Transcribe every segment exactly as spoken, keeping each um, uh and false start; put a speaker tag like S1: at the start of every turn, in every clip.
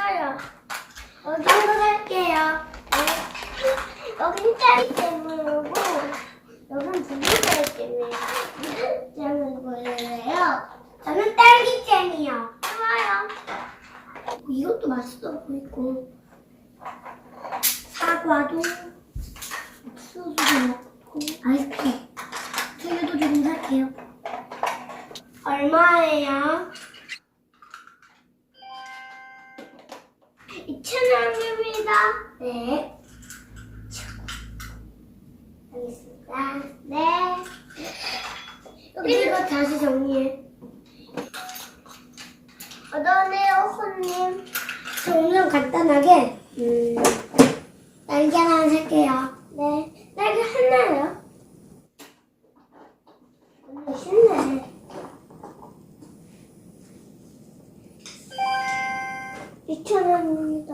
S1: 싫어요. 여기로 갈게요. 네. 여긴 딸기잼이고 여긴 두부딸기잼이에요. 잼을 보여요. 저는 딸기잼이요. 좋아요. 이것도 맛있어 보이고 사과도 옥수수도 넣고 아이스크림 두유도 조금 살게요. 얼마예요? 이천 원입니다. 네. 알겠습니다. 네. 여기 이거 다시 정리해. 어떠네요, 손님? 저 오늘 간단하게 음, 날개 하나 살게요. 네. 날개 하나요? 오늘 쉽네. 이천 원입니다.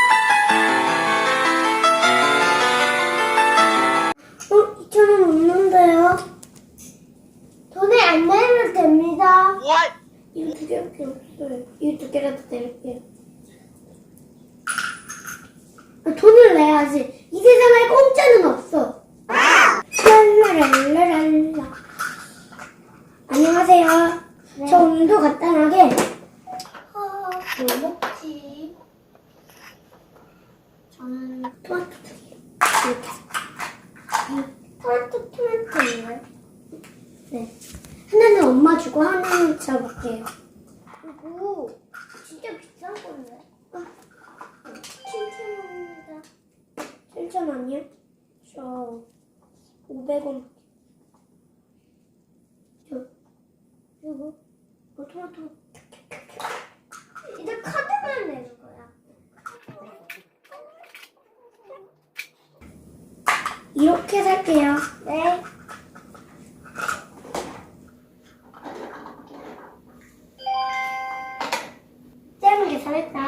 S1: 어? 이천 원 없는데요? 돈에 안 내면 됩니다.
S2: What?
S1: 이거 두 개밖에 없어요. 이거 두 개라도 내릴게요. 아, 돈을 내야지. 이 세상에 공짜는 없어. 랄라랄라랄라. 안녕하세요. 네. 저 오늘도 간단하게 어, 뭐 먹지? 저는 토마토 두 개. 이렇게. 토마토 토마토인가요? 네. 하나는 엄마 주고 하나는 저 먹게요. 이거 진짜 비싼 건데. 어. 칠천 원입니다. 칠천 원이요? 저 오백 원. 저 이거 어, 토마토. 이제 카드만 내는 거야. 이렇게 살게요. 네. 잼 계산했다.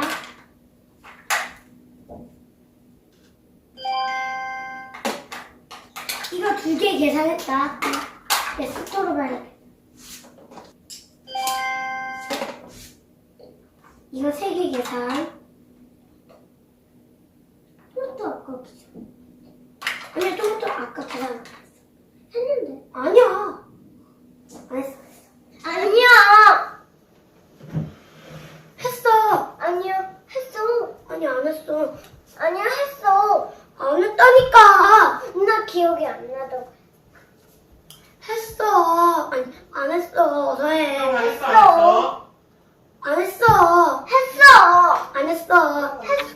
S1: 이거 두 개 계산했다. 네, 스토로 봐야겠다. 이거 세 개 계산. 토마토 아까 기사. 아니야, 토마토 아까 계산 안 했어. 했는데. 아니야. 안 했어. 아니야. 했어. 아니야. 했어. 아니, 안 했어. 아니야, 했어. 안 했다니까. 나 기억이 안 나도. 했어. 아니, 안 했어. 어서 해.
S2: 형 했어, 안 했어?
S1: 안 했어. 했어. 안 했어. 했어.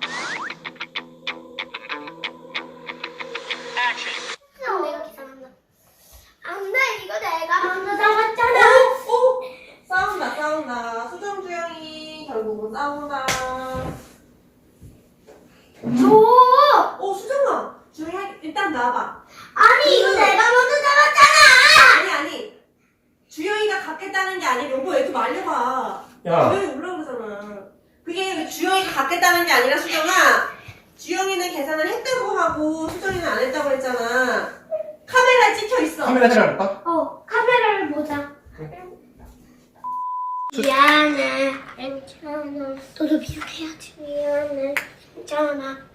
S1: 했어. 내가 계산한다. 안 돼. 이거 내가 먼저 잡았잖아.
S2: 오! 오! 싸운다, 싸운다. 수정 주영이 결국은 싸운다.
S1: 줘.
S2: 오, 수정아. 주영이 일단 나와봐.
S1: 아니, 이거 내가 먼저 잡았잖아.
S2: 아니, 아니. 주영이가 갖겠다는 게 아니라 여보 애도 말려봐.
S3: 야.
S2: 주영이 올라오잖아. 그게 주영이가 갖겠다는 게 아니라 수정아. 주영이는 계산을 했다고 하고 수정이는 안 했다고 했잖아. 카메라에 찍혀 있어.
S3: 카메라 들어갈까?
S1: 어, 카메라를 보자.
S3: 응.
S1: 미안해. 괜찮아. 너도 미안해야지. 미안해. 괜찮아.